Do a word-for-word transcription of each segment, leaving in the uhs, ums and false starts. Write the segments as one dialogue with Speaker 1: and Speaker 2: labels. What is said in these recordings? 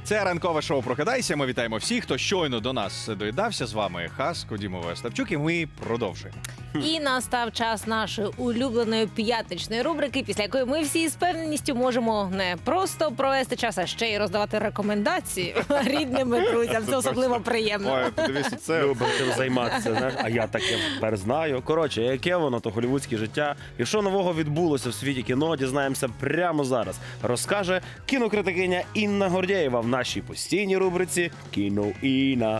Speaker 1: Це ранкове шоу «Прокидайся». Ми вітаємо всіх, хто щойно до нас доєднався. З вами Хаско, Дімова, Остапчук, і ми продовжуємо.
Speaker 2: І настав час нашої улюбленої п'ятничної рубрики, після якої ми всі з певненістю можемо не просто провести час, а ще й роздавати рекомендації рідним друзям. Це особливо приємно.
Speaker 1: Ой, подивіться, це...
Speaker 3: Любимо цим займатися, знаєш, а я таке тепер знаю. Коротше, яке воно, то голівудське життя. І що нового відбулося в світі кіно, дізнаємося прямо зараз. Розкаже кінокритикиня Інна Гордєєва в нашій постійній рубриці «Кіно Інна».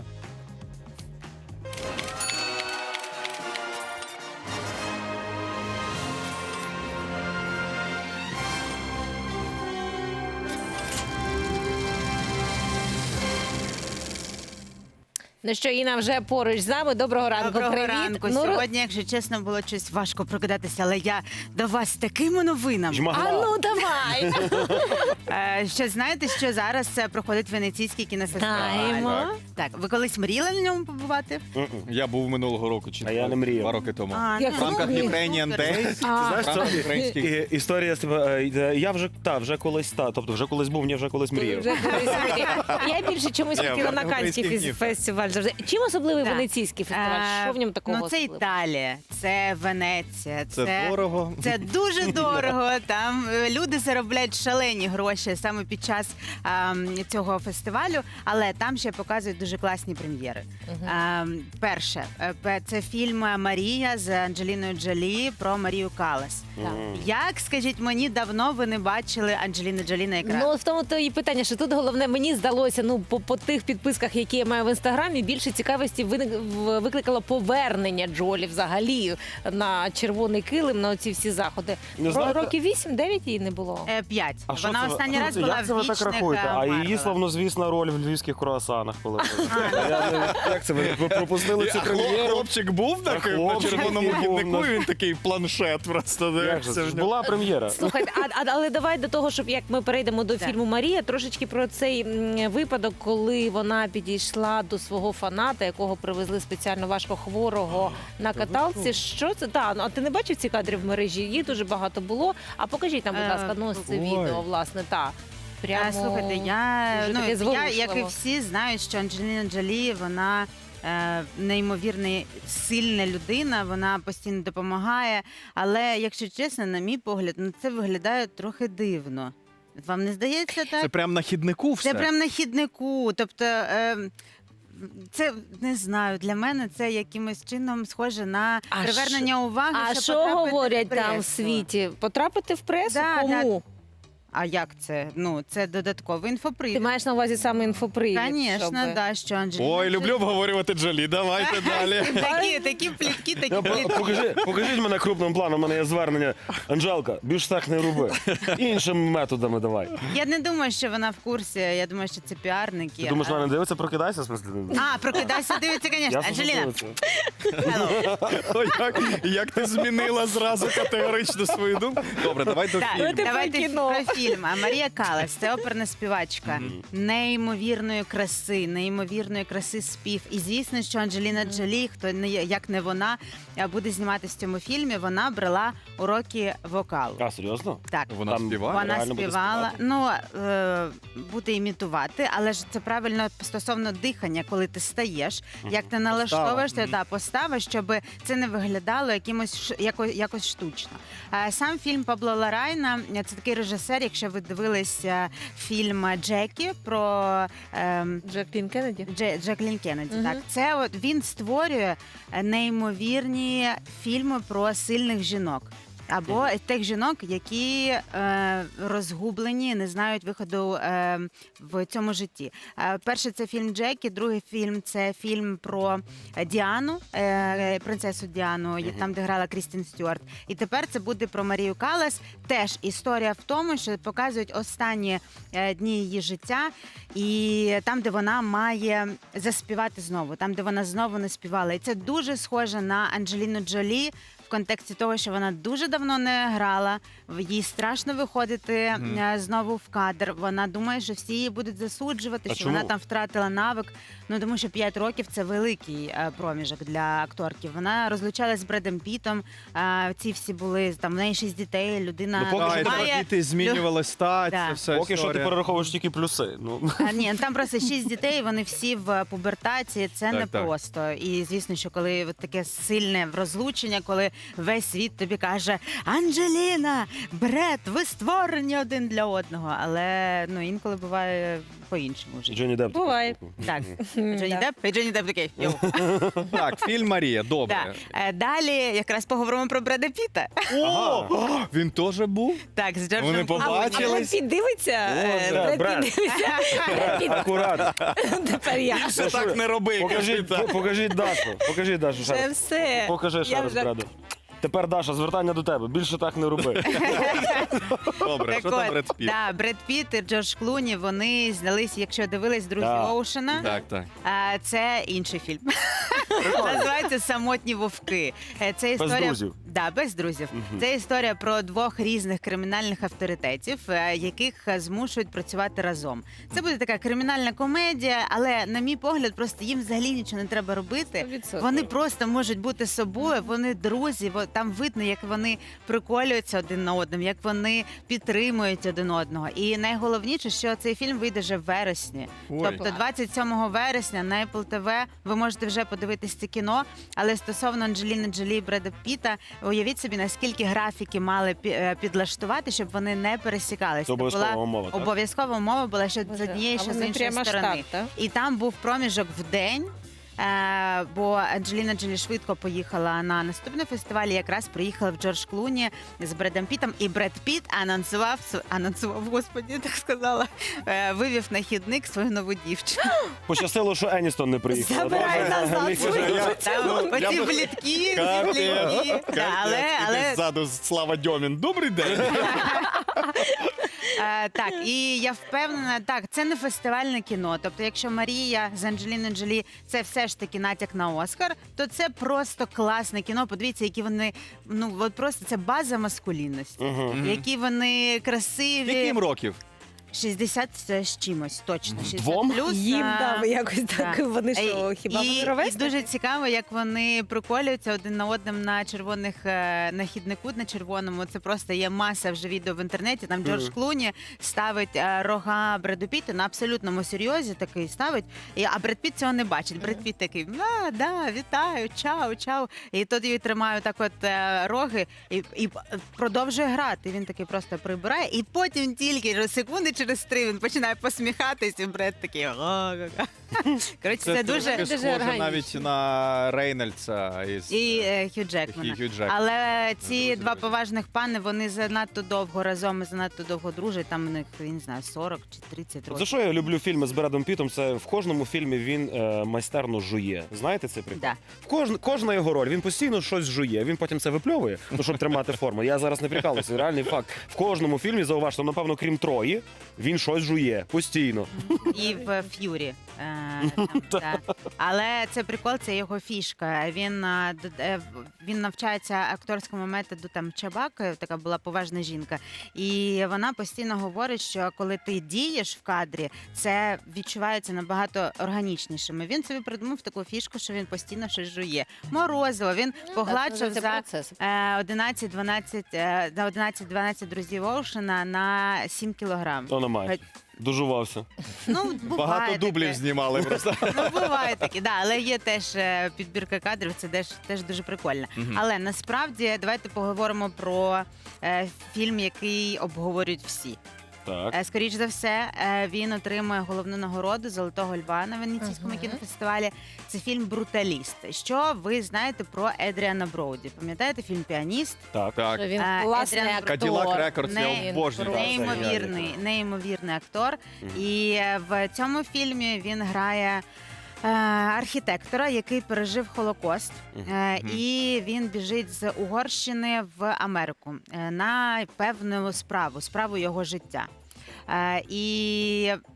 Speaker 2: Ну що, Інна вже поруч з нами. Доброго ранку.
Speaker 4: Доброго
Speaker 2: Привіт.
Speaker 4: ранку.
Speaker 2: Ну,
Speaker 4: Сьогодні, якщо чесно, було щось важко прокидатися, але я до вас з такими новинами.
Speaker 3: Жмагла.
Speaker 2: А ну давай.
Speaker 4: Е, Що знаєте, що зараз е, проходить Венеційський кінофестиваль?
Speaker 2: Знаємо.
Speaker 4: Так, ви колись мріяли на ньому побувати?
Speaker 3: М-м.
Speaker 1: Я був минулого року, чи
Speaker 3: А я не мріяв.
Speaker 1: два роки тому.
Speaker 4: А,
Speaker 2: Як
Speaker 1: В рамках
Speaker 2: Супер.
Speaker 1: Ukrainian Days.
Speaker 2: А.
Speaker 1: В рамках
Speaker 3: Знаєш,
Speaker 1: українських...
Speaker 3: І- Історія з тебе, е, я вже та вже колись та, тобто вже колись був, ні, вже колись мріяв.
Speaker 2: Вже колись мріяв. Я більше чомусь
Speaker 1: Ні,
Speaker 2: хотіла на
Speaker 1: українських
Speaker 2: Каннський
Speaker 1: днів.
Speaker 2: фестиваль завжди. Чим особливий
Speaker 4: Так.
Speaker 2: Венеційський фестиваль?
Speaker 4: Е,
Speaker 2: Що в ньому такого
Speaker 4: Ну, це
Speaker 2: особливого?
Speaker 4: Італія, це Венеція,
Speaker 1: Це
Speaker 4: це...
Speaker 1: дорого.
Speaker 4: Це дуже дорого. Там е, люди заробляють шалені гроші саме під час ем, цього фестивалю, але там ще показують дуже класні прем'єри. Ем, перше, е, пе- це фільм Марія з Анджеліною Джолі про Марію Каллас.
Speaker 2: Так.
Speaker 4: Як, скажіть мені, давно ви не бачили Анджеліну Джолі на екрані?
Speaker 2: Ну, в тому то і питання, що тут головне, мені здалося, ну, по, по тих підписках, які я маю в Інстаграмі, більше цікавості виник- в- викликало повернення Джолі взагалі на червоний килим, на оці всі заходи.
Speaker 3: Не
Speaker 2: Ро-
Speaker 3: знаєте-
Speaker 2: Років вісім-дев'ять їй не було.
Speaker 4: Е, П'ять.
Speaker 3: А що
Speaker 4: Вона
Speaker 3: це ви-
Speaker 4: останній
Speaker 3: а
Speaker 4: раз
Speaker 3: це-
Speaker 4: була
Speaker 3: як це
Speaker 4: в
Speaker 3: ви так
Speaker 4: «Вічних»
Speaker 3: рахуєте? А її
Speaker 4: Марвела.
Speaker 3: славнозвісна роль в львівських круасанах, коли Я не- як це ви ви пропустили цю
Speaker 1: А хлоп-
Speaker 3: прем'єру?
Speaker 1: Хлопчик був такий на
Speaker 3: хлопчик
Speaker 1: червоному
Speaker 3: був,
Speaker 1: гіднику,
Speaker 3: ну.
Speaker 1: він такий планшет просто
Speaker 3: Як
Speaker 1: дивився
Speaker 3: же?
Speaker 1: в
Speaker 3: Це
Speaker 1: нього.
Speaker 3: була прем'єра.
Speaker 2: Слухайте, а, а, але давай до того, щоб як ми перейдемо до
Speaker 4: Так.
Speaker 2: фільму Марія, трошечки про цей м, випадок, коли вона підійшла до свого фаната, якого привезли спеціально важкохворого на каталці. Що це? Та, ну, а ти не бачив ці кадри в мережі? Їх дуже багато було. А покажіть нам, будь
Speaker 4: Е,
Speaker 2: ласка, ну ось це
Speaker 1: ой.
Speaker 2: відео, власне, та. Прямо...
Speaker 4: А, слухайте, я,
Speaker 2: дуже
Speaker 4: ну,
Speaker 2: таке
Speaker 4: я, як і
Speaker 2: зворушливо.
Speaker 4: всі, знаю, що Анджеліна Джолі, вона е, неймовірно сильна людина, вона постійно допомагає. Але, якщо чесно, на мій погляд, ну це виглядає трохи дивно. Вам не здається так?
Speaker 1: Це прям на хіднику все.
Speaker 4: Це прям на хіднику. Тобто, е, це не знаю, для мене це якимось чином схоже на
Speaker 2: А
Speaker 4: привернення уваги.
Speaker 2: А
Speaker 4: щоб
Speaker 2: що
Speaker 4: потрапити
Speaker 2: говорять
Speaker 4: в
Speaker 2: там в
Speaker 4: пресу.
Speaker 2: світі? Потрапити в пресу?
Speaker 4: Да,
Speaker 2: Кому?
Speaker 4: А як це? Ну, це додатковий
Speaker 2: Ти
Speaker 4: інфопривід.
Speaker 2: маєш на увазі саме інфопривід?
Speaker 4: Звісно,
Speaker 2: щоб-
Speaker 4: да, що Анджеліна
Speaker 1: Ой,
Speaker 4: Джолі-
Speaker 1: люблю обговорювати Джолі, давайте далі.
Speaker 4: Такі, такі плітки, такі
Speaker 3: Я,
Speaker 4: плітки.
Speaker 3: покажи, покажіть мене крупним планом, у мене є звернення. Анжелка, більш так не роби. Іншими методами давай.
Speaker 4: Я не думаю, що вона в курсі. Я думаю, що це піарники.
Speaker 3: Ти думаєш,
Speaker 4: А-
Speaker 3: вона не дивиться, прокидайся, в смислі?
Speaker 4: А, прокидайся, дивиться, звісно.
Speaker 3: Ясно, що
Speaker 4: Анжеліна,
Speaker 3: дивиться.
Speaker 4: hello.
Speaker 1: Ой, як, як ти змінила зразу категорично свою думку. Добре, давай до
Speaker 4: Так,
Speaker 1: фільму.
Speaker 2: Давайте
Speaker 4: давайте
Speaker 2: про кіно.
Speaker 4: про фільм. А Марія Каллас – це оперна співачка неймовірної краси, неймовірної краси спів. І звісно, що Анджеліна Джолі, хто не як не вона, буде зніматися в цьому фільмі. Вона брала уроки вокалу.
Speaker 3: А, серйозно?
Speaker 4: Так.
Speaker 1: Вона
Speaker 3: Там
Speaker 1: співає?
Speaker 4: Вона
Speaker 3: реально буде
Speaker 4: співала,
Speaker 3: співати?
Speaker 4: ну е, буде імітувати, але ж це правильно стосовно дихання, коли ти стаєш, як ти налаштовуєш
Speaker 1: Постава.
Speaker 4: та постава, щоб це не виглядало якимось ш- яко, якось штучно. Е, сам фільм Пабло Ларайна – це такий режисер. Якщо ви дивились е, фільм Джекі про е,
Speaker 2: Джаклін Кеннеді?
Speaker 4: Дже, Джеклін Кеннеді,
Speaker 2: Мгм.
Speaker 4: так це от він створює е, неймовірні фільми про сильних жінок. Або тих жінок, які е, розгублені, не знають виходу е, в цьому житті. Е, перший це фільм Джекі, другий фільм це фільм про Діану, е, принцесу Діану, є- там, де грала Крістін Стюарт. І тепер це буде про Марію Каллас. Теж історія в тому, що показують останні е, дні її життя, і там, де вона має заспівати знову, там, де вона знову не співала. І це дуже схоже на Анджеліну Джолі в контексті того, що вона дуже давно не грала, в- їй страшно виходити
Speaker 1: Мгм.
Speaker 4: е, знову в кадр. Вона думає, що всі її будуть засуджувати,
Speaker 3: А
Speaker 4: що
Speaker 3: чому?
Speaker 4: вона там втратила навик. Ну тому що п'ять років це великий е, проміжок для акторки. Вона розлучалась з Бредом Пітом. Е, ці всі були там в неї шість дітей. Людина
Speaker 3: Ну, поки
Speaker 1: А,
Speaker 3: що
Speaker 1: і
Speaker 3: тебе
Speaker 1: тепер
Speaker 4: має...
Speaker 1: діти змінювали стать,
Speaker 4: Да.
Speaker 1: це все
Speaker 3: Поки що ти
Speaker 1: історія.
Speaker 3: перераховуєш тільки плюси. Ну.
Speaker 4: А, ні, там просто шість дітей, вони всі в пубертації. Це
Speaker 1: Так,
Speaker 4: не
Speaker 1: так.
Speaker 4: просто. І звісно, що коли от таке сильне розлучення, коли весь світ тобі каже: Анджеліна, Бред, ви створені один для одного. Але ну інколи буває по-іншому вже.
Speaker 3: Джонні Депп.
Speaker 2: Буває.
Speaker 4: Так, Джонні
Speaker 2: Да.
Speaker 4: Депп, і Джонні Депп такий. «Йоу».
Speaker 1: Так, фільм Марія, добре.
Speaker 4: Да. Е, Далі якраз поговоримо про Бреда Піта.
Speaker 1: О, він теж був?
Speaker 4: Так, з Джорджем
Speaker 1: Вони
Speaker 4: Клуні.
Speaker 2: А
Speaker 1: побачили.
Speaker 2: Бред Піт дивиться? Е,
Speaker 3: да,
Speaker 2: Бред
Speaker 3: Бред.
Speaker 2: Піт дивиться. Бред Піт.
Speaker 3: Акурат.
Speaker 2: Тепер я.
Speaker 1: Це так не роби.
Speaker 3: Покажіть,
Speaker 1: кажи, так.
Speaker 3: покажіть Дашу. Покажіть Дашу ще
Speaker 2: Це
Speaker 3: раз.
Speaker 2: все.
Speaker 3: Покажи ще
Speaker 2: Я
Speaker 3: раз,
Speaker 2: вже-
Speaker 3: Бреду. Тепер, Даша, звертання до тебе. Більше так не роби.
Speaker 1: Добре,
Speaker 4: Так
Speaker 1: що там
Speaker 4: от,
Speaker 1: Бред Піт?
Speaker 4: да, Бред Піт і Джордж Клуні, вони знялись, якщо дивились «Друзі
Speaker 3: Да.
Speaker 4: Оушена».
Speaker 1: Так, так.
Speaker 4: А, це інший фільм. Називається «Самотні вовки». Е, Це
Speaker 3: Без
Speaker 4: історія...
Speaker 3: друзів.
Speaker 4: Да, без друзів.
Speaker 3: Мгм.
Speaker 4: Це історія про двох різних кримінальних авторитетів, е, яких е, змушують працювати разом. Це буде така кримінальна комедія, але, на мій погляд, просто їм взагалі нічого не треба робити.
Speaker 2: сто відсотків.
Speaker 4: Вони просто можуть бути собою, вони друзі, во- там видно, як вони приколюються один на одному, як вони підтримують один одного. І найголовніше, що цей фільм вийде вже в вересні.
Speaker 1: Ой.
Speaker 4: Тобто двадцять сьомого вересня на Apple ті ві ви можете вже подивитись це кіно. Але стосовно Анджеліни Джолі і Бреда Піта, уявіть собі, наскільки графіки мали пі- е, підлаштувати, щоб вони не пересікалися.
Speaker 3: Це обов'язкова умова, так?
Speaker 4: Обов'язкова умова була, що з
Speaker 2: Боже,
Speaker 4: однієї,
Speaker 2: а
Speaker 4: що з
Speaker 2: вони
Speaker 4: іншої
Speaker 2: прямо аж
Speaker 4: сторони.
Speaker 2: так, так?
Speaker 4: І там був проміжок в день. Е, бо Анджеліна Джолі швидко поїхала на наступний фестиваль, і якраз приїхала в Джордж Клуні з Бредом Пітом, і Бред Піт анонсував св- анонсував, господі, так сказала, е, вивів на хідник свою нову дівчину.
Speaker 3: Пощастило, що Еністон не приїхала.
Speaker 2: Забирай
Speaker 3: Боже,
Speaker 2: назад
Speaker 3: Ліся,
Speaker 2: свою
Speaker 3: я-
Speaker 4: Там
Speaker 1: Ну, я
Speaker 4: оці
Speaker 1: би-
Speaker 4: блідки,
Speaker 1: Капець,
Speaker 4: блідки. Да, але, але
Speaker 1: ззаду Слава Дьомін. Добрий день.
Speaker 4: Е, так, і я впевнена, так, це не фестивальне кіно. Тобто, якщо Марія з Анджеліною Джолі це все ж таки натяк на Оскар, то це просто класне кіно. Подивіться, які вони, ну от просто це база маскулінності.
Speaker 3: Мгм.
Speaker 4: Які вони красиві.
Speaker 1: Яким років?
Speaker 4: шістдесят з чимось, точно. шістдесят
Speaker 3: Двом?
Speaker 4: плюс.
Speaker 2: Їм
Speaker 4: а,
Speaker 2: дав якось так.
Speaker 4: так.
Speaker 2: Вони що,
Speaker 4: І-
Speaker 2: хіба
Speaker 4: і,
Speaker 2: вони
Speaker 4: і
Speaker 2: ровесники?
Speaker 4: дуже цікаво, як вони приколюються один на одному на червоних е, на хіднику на червоному. Це просто є маса вже відео в інтернеті. Там Джордж
Speaker 3: Мгм.
Speaker 4: Клуні ставить е, рога Бреду Піта на абсолютному серйозі. Такий ставить. І, а Бред Піт цього не бачить. Бред Піт такий, а, да, вітаю, чао, чао. І тоді тримаю так, от е, роги, і, і продовжує грати. Він такий просто прибирає, і потім тільки секунди через три він починає посміхатись, і Бред такий. «Га-га-га». Коротше, це, дуже.
Speaker 1: трошки
Speaker 2: дуже
Speaker 1: схоже
Speaker 2: органічно.
Speaker 1: навіть на Рейнольдса із
Speaker 4: І е, Хью Джекмана.
Speaker 1: Хью Джекмана.
Speaker 4: Але ці
Speaker 1: Дуже
Speaker 4: два
Speaker 1: добре.
Speaker 4: поважних пани, вони занадто довго разом і занадто довго дружать. Там у них, я не знаю, сорок чи тридцять
Speaker 3: За
Speaker 4: років.
Speaker 3: що я люблю фільми з Бредом Пітом? Це в кожному фільмі він е, майстерно жує. Знаєте цей прикол?
Speaker 4: Да.
Speaker 3: В кожн, кожна його роль, він постійно щось жує, він потім це випльовує, ну, щоб тримати форму. Я зараз не прикалуюся, реальний факт. В кожному фільмі, зауважте, напевно, крім Трої, він щось жує постійно.
Speaker 4: І в Ф'юрі. Е, там, да. Але це прикол, це його фішка. Він, е, д- е, в- він навчається акторському методу там Чабаки, така була поважна жінка. І вона постійно говорить, що коли ти дієш в кадрі, це відчувається набагато органічнішим. І він собі придумав таку фішку, що він постійно щось жує. Морозиво, він погладшав
Speaker 2: Це
Speaker 4: за
Speaker 2: процес.
Speaker 4: е, одинадцять дванадцять е, на одинадцять дванадцять друзів Оушена на сім кілограм.
Speaker 3: То немає. Дожувався.
Speaker 4: Ну, буває
Speaker 1: Багато дублів
Speaker 4: таке.
Speaker 1: знімали просто.
Speaker 4: Ну, буває такі, да, але є теж е, підбірка кадрів, це теж, теж дуже прикольно.
Speaker 1: Мгм.
Speaker 4: Але насправді давайте поговоримо про е, фільм, який обговорюють всі.
Speaker 3: Так.
Speaker 4: Е, скоріш за все, е, він отримує головну нагороду Золотого Льва на Венеційському
Speaker 2: Мгм.
Speaker 4: кінофестивалі. Це фільм Бруталіст. Що ви знаєте про Едріана Броуді? Пам'ятаєте фільм Піаніст?
Speaker 3: Так.
Speaker 1: Так.
Speaker 2: Він
Speaker 4: Е,
Speaker 2: класний
Speaker 4: Едріан
Speaker 2: актор.
Speaker 1: Cadillac Records, я
Speaker 4: Не-
Speaker 1: обожнюю.
Speaker 3: Так, це
Speaker 4: Неймовірний,
Speaker 3: геніально.
Speaker 4: неймовірний актор.
Speaker 3: Мгм.
Speaker 4: І е, в цьому фільмі він грає е, архітектора, який пережив Холокост.
Speaker 3: Мгм.
Speaker 4: Е, і він біжить з Угорщини в Америку е, на певну справу, справу його життя. Е, і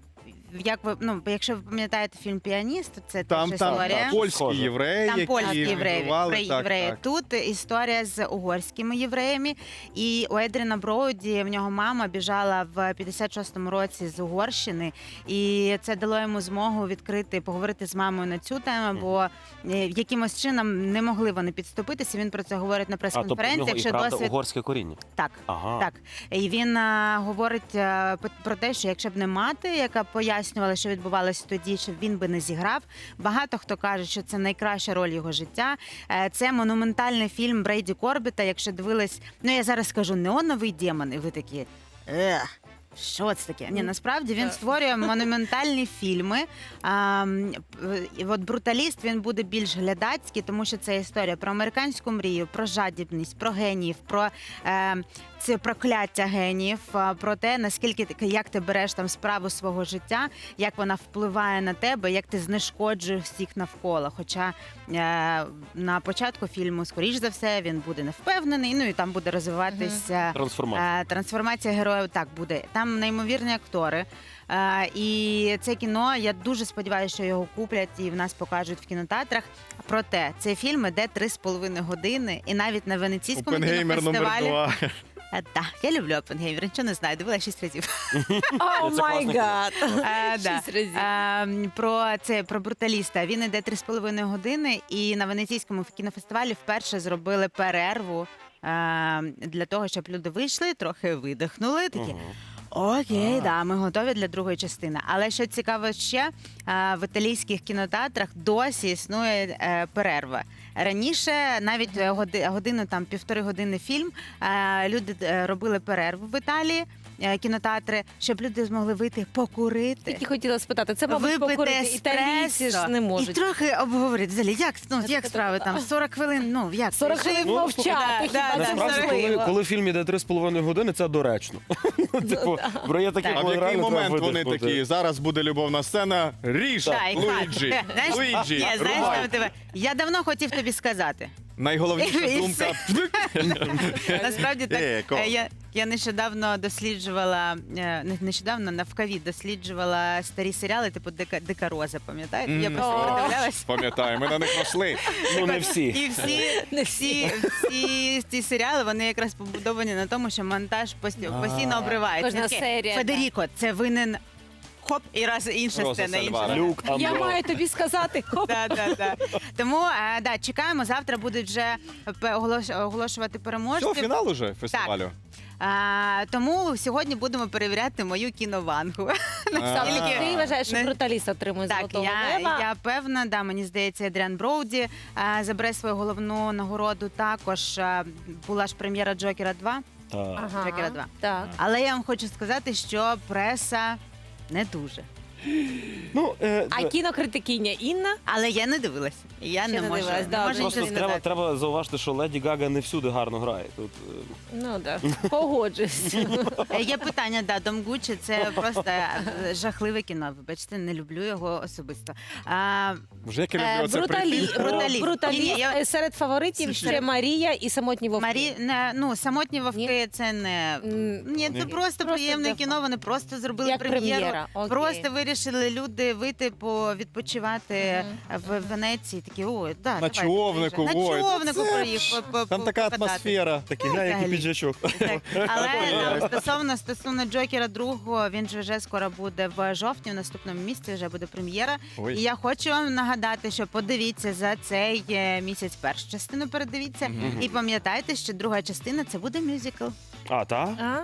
Speaker 4: як ви ну, якщо ви пам'ятаєте фільм Піаніст, то це
Speaker 1: Там,
Speaker 4: теж
Speaker 1: там
Speaker 4: історія.
Speaker 1: польські
Speaker 3: Схоже.
Speaker 1: євреї,
Speaker 4: Там
Speaker 1: які
Speaker 4: польські євреї,
Speaker 1: мігрували.
Speaker 4: про
Speaker 1: Так,
Speaker 4: євреї.
Speaker 1: так.
Speaker 4: Тут історія з угорськими євреями. І у Едріна Броуді в нього мама біжала в п'ятдесят шостому році з Угорщини, і це дало йому змогу відкрити, поговорити з мамою на цю тему, бо е, якимось чином не могли вони підступитися. Він про це говорить на
Speaker 3: А, тобто в
Speaker 4: прес-конференціях.
Speaker 3: нього і
Speaker 4: що
Speaker 3: правда
Speaker 4: досвід
Speaker 3: угорське коріння.
Speaker 4: так.
Speaker 3: Ага.
Speaker 4: Так, і він а, говорить а, п- про те, що якщо б не мати, яка пояснювала, що відбувалося тоді, що він би не зіграв. Багато хто каже, що це найкраща роль його життя. Е, Це монументальний фільм Брейді Корбіта. Якщо дивились, ну я зараз скажу неоновий демон, і ви такі. Ех. Що це таке? Ні, насправді він
Speaker 2: Так.
Speaker 4: створює монументальні фільми. А, м, і от бруталіст він буде більш глядацький, тому що це історія про американську мрію, про жадібність, про геніїв, про е, це прокляття геніїв, а, про те, наскільки ти- як ти береш там справу свого життя, як вона впливає на тебе, як ти знешкоджуєш всіх навколо. Хоча е, на початку фільму, скоріш за все, він буде невпевнений, ну і там буде розвиватися.
Speaker 3: Трансформація.
Speaker 4: Е, Трансформація героїв так буде. Там неймовірні актори. Е, І це кіно, я дуже сподіваюся, що його куплять і в нас покажуть в кінотеатрах. Проте цей фільм іде три з половиною години, і навіть на венеційському
Speaker 1: Опенгеймер номер
Speaker 4: кінофестивалі.
Speaker 1: два.
Speaker 4: Е, Так, я люблю Опенгеймер, нічого не знаю, дивила шість разів.
Speaker 2: О
Speaker 3: Це
Speaker 2: май
Speaker 3: класно.
Speaker 2: гад.
Speaker 4: Е, да.
Speaker 2: Шість разів.
Speaker 4: Е, Про це про бруталіста. Він іде три з половиною години, і на венеційському кінофестивалі вперше зробили перерву е, для того, щоб люди вийшли, трохи видихнули. Такі. Окей, да, ми готові для другої частини. Але що цікаво ще, е, в італійських кінотеатрах досі існує е, перерва. Раніше навіть е, годи- годину, там півтори години фільм, е, люди е, робили перерву в Італії, е, кінотеатри, щоб люди змогли вийти покурити.
Speaker 2: Тільки хотіла спитати, це, мабуть,
Speaker 4: Випити
Speaker 2: покорити. Італійці
Speaker 4: еспресо
Speaker 2: ж не
Speaker 4: і
Speaker 2: можуть.
Speaker 4: трохи обговорити. Взагалі, як, ну, як справи там? сорок хвилин, ну, як?
Speaker 2: сорок
Speaker 4: Жив-
Speaker 2: хвилин
Speaker 3: Ну,
Speaker 2: мовчати,
Speaker 4: да,
Speaker 2: хіба
Speaker 4: да,
Speaker 2: це
Speaker 3: Насправді, коли,
Speaker 2: можливо?
Speaker 3: коли фільм іде три з половиною години, це доречно. Типу, бо є такі,
Speaker 4: Так.
Speaker 1: А в
Speaker 3: коли
Speaker 1: який
Speaker 3: реально треба
Speaker 1: момент вони
Speaker 3: видихнути.
Speaker 1: такі, зараз буде любовна сцена, ріж,
Speaker 4: Да, і
Speaker 1: Луїджі,
Speaker 4: хат. Знаєш,
Speaker 1: Луїджі,
Speaker 4: ні, знаєш,
Speaker 1: рубай.
Speaker 4: там тебе- я давно хотів тобі сказати.
Speaker 1: Найголовніша
Speaker 4: І
Speaker 1: думка.
Speaker 4: Насправді так.
Speaker 1: Е, ко.
Speaker 4: е, Я, я нещодавно досліджувала, е, не нещодавно навкаві досліджувала старі серіали, типу Дика, Дика Роза, пам'ятаєте? Я
Speaker 1: Мгм.
Speaker 4: просто
Speaker 2: О.
Speaker 4: передивлялась.
Speaker 1: Пам'ятаю, ми на них росли.
Speaker 3: Ну, не всі.
Speaker 4: І всі,
Speaker 2: Не
Speaker 4: всі, всі ці серіали вони якраз побудовані на тому, що монтаж пості- постійно обривається.
Speaker 2: Кожна
Speaker 4: Таке,
Speaker 2: серія,
Speaker 4: Федеріко, це винен хоп, і раз інша
Speaker 1: Роза
Speaker 4: сцена, інша.
Speaker 1: Сальвара.
Speaker 3: Люк,
Speaker 2: Я
Speaker 3: Андро.
Speaker 2: маю тобі сказати. Хоп.
Speaker 4: Да, да, да. Тому е, да, чекаємо. Завтра будуть вже пе- оголош- оголошувати
Speaker 1: Що,
Speaker 4: переможців.
Speaker 1: фінал уже фестивалю?
Speaker 4: А, тому сьогодні будемо перевіряти мою кіновангу. Наскільки-
Speaker 2: Ти вважаєш, що
Speaker 4: Не-
Speaker 2: бруталіст отримує
Speaker 4: Так,
Speaker 2: золотого
Speaker 4: я,
Speaker 2: лева?
Speaker 4: я певна, да, мені здається, Едріан Броуді а, забере свою головну нагороду. Також а, була ж прем'єра Джокера два.
Speaker 3: Так.
Speaker 2: Ага,
Speaker 4: Джокера два.
Speaker 2: так.
Speaker 4: Але я вам хочу сказати, що преса не дуже.
Speaker 3: Ну, е,
Speaker 2: А кінокритикиня Інна?
Speaker 4: Але я не дивилась. Я
Speaker 2: Ще
Speaker 4: не
Speaker 2: не
Speaker 4: можу.
Speaker 2: дивилась,
Speaker 4: Не
Speaker 2: добре.
Speaker 4: можу
Speaker 3: просто
Speaker 4: нічого
Speaker 3: треба,
Speaker 4: сказати.
Speaker 3: треба зауважити, що Леді Гага не всюди гарно грає. Тут, е,
Speaker 2: Ну так, погоджуюсь.
Speaker 4: Е, Є питання, да, Дом Гуччі це просто е, жахливе кіно. Вибачте, не люблю його особисто. А,
Speaker 1: Вже як я
Speaker 2: Е,
Speaker 1: люблю це
Speaker 2: Бруталі...
Speaker 1: прийти.
Speaker 4: Бруталіст.
Speaker 2: Бруталіст.
Speaker 4: Ні, ні, я-
Speaker 2: Е, Серед фаворитів ще Марія і самотні вовки.
Speaker 4: Марі, не, ну, самотні вовки це не.
Speaker 2: М,
Speaker 4: Ні, це
Speaker 1: Ні.
Speaker 4: просто,
Speaker 2: Просто
Speaker 4: приємне
Speaker 2: для
Speaker 4: кіно.
Speaker 2: фану.
Speaker 4: Вони просто зробили
Speaker 2: Як
Speaker 4: прем'єру.
Speaker 2: прем'єра, окей.
Speaker 4: Просто вирішили люди вийти по відпочивати в Венеції. Такі, ой, да,
Speaker 1: На
Speaker 4: давайте,
Speaker 1: човнику,
Speaker 4: приїжджай.
Speaker 1: ой,
Speaker 4: На човнику
Speaker 1: це
Speaker 4: приїхав. по- по-
Speaker 1: Там така
Speaker 4: покататись.
Speaker 1: атмосфера.
Speaker 3: такий глянь, який
Speaker 4: Взагалі.
Speaker 3: піджачок.
Speaker 4: Так. Але там, стосовно стосовно Джокера другого, він же вже скоро буде в жовтні, в наступному місяці вже буде прем'єра.
Speaker 1: Ой.
Speaker 4: І я хочу вам нагадати, що подивіться за цей е, місяць першу частину, передивіться.
Speaker 1: Мгм.
Speaker 4: І пам'ятайте, що друга частина це буде мюзикл.
Speaker 3: А, так?
Speaker 2: А,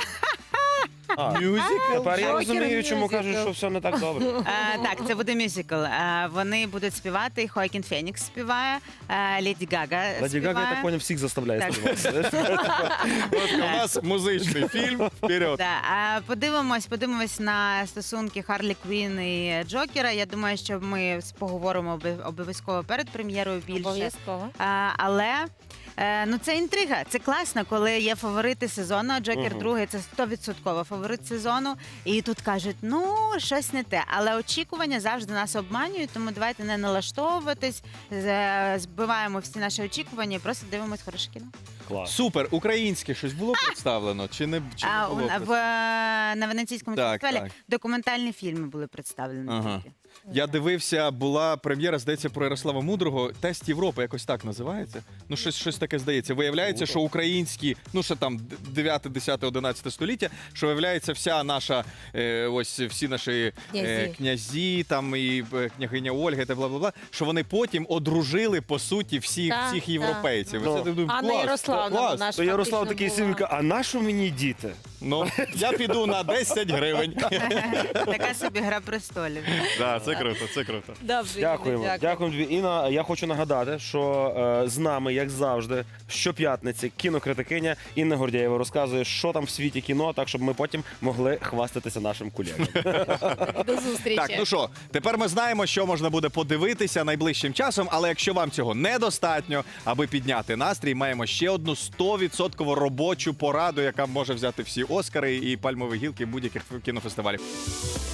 Speaker 3: А,
Speaker 1: Мюзикл.
Speaker 3: Тепер я
Speaker 2: Джокер
Speaker 3: розумію, чому
Speaker 2: мюзикл.
Speaker 3: кажуть, що все не так добре.
Speaker 4: Е, так, це буде мюзикл. Е, вони будуть співати. Хоакін Фенікс співає, е, Леді Гага
Speaker 3: Леді
Speaker 4: співає.
Speaker 3: Гага, я так поняв, всіх заставляє
Speaker 4: Так.
Speaker 3: співати.
Speaker 1: От у нас музичний фільм. Вперед.
Speaker 4: Да, а подивимось, подивимось на стосунки Харлі Квін і Джокера. Я думаю, що ми поговоримо обов- обов'язково перед прем'єрою більше.
Speaker 2: обов'язково.
Speaker 4: А, але е, ну це інтрига. Це класно, коли є фаворити сезону. а Джокер
Speaker 3: Мгм.
Speaker 4: другий це сто відсотків фаворит сезону. І тут кажуть, ну щось не те. Але очікування завжди нас обманюють, тому давайте не налаштовуватись, з- збиваємо всі наші очікування і просто дивимось хороше кіно.
Speaker 3: Клас.
Speaker 1: Супер, українське щось було представлено? Чи не, чи
Speaker 4: А
Speaker 1: не
Speaker 4: у-
Speaker 1: було
Speaker 4: в,
Speaker 1: представлено?
Speaker 4: на Венеційському
Speaker 1: Так,
Speaker 4: фестивалі
Speaker 1: так.
Speaker 4: документальні фільми були представлені.
Speaker 1: Ага.
Speaker 4: тільки.
Speaker 1: Я дивився, була прем'єра, здається, про Ярослава Мудрого. Тест Європи, якось так називається. Ну, щось, щось таке здається. Виявляється, що українські, ну ще там дев'яте, десяте, одинадцяте століття, що виявляється, вся наша, е, ось всі наші е,
Speaker 2: Князі.
Speaker 1: князі, там і е, княгиня Ольга та бла-бла-бла, що вони потім одружили, по суті, всіх,
Speaker 2: Так,
Speaker 1: всіх
Speaker 2: так.
Speaker 1: європейців.
Speaker 3: Ну.
Speaker 1: Оце, я думаю,
Speaker 2: Анна
Speaker 1: клас,
Speaker 2: Ярославна,
Speaker 1: клас.
Speaker 2: вона ж
Speaker 3: То Ярослав
Speaker 2: фактично
Speaker 3: такий
Speaker 2: була.
Speaker 3: син каже, а на що мені діти?
Speaker 1: Ну, я піду на десять гривень.
Speaker 4: Така собі гра престолів.
Speaker 1: Да, це круто, це круто.
Speaker 2: Добре,
Speaker 3: Дякуємо.
Speaker 2: Юля,
Speaker 3: Дякуємо тобі. Інна, я хочу нагадати, що е, з нами, як завжди, щоп'ятниці кінокритикиня Інна Гордєєва розказує, що там в світі кіно, так щоб ми потім могли хвастатися нашим колегам.
Speaker 2: До зустрічі.
Speaker 1: Так, ну що, тепер ми знаємо, що можна буде подивитися найближчим часом, але якщо вам цього недостатньо, аби підняти настрій, маємо ще одну сто відсотків робочу пораду, яка може взяти всі Оскари і пальмові гілки будь-яких кінофестивалів.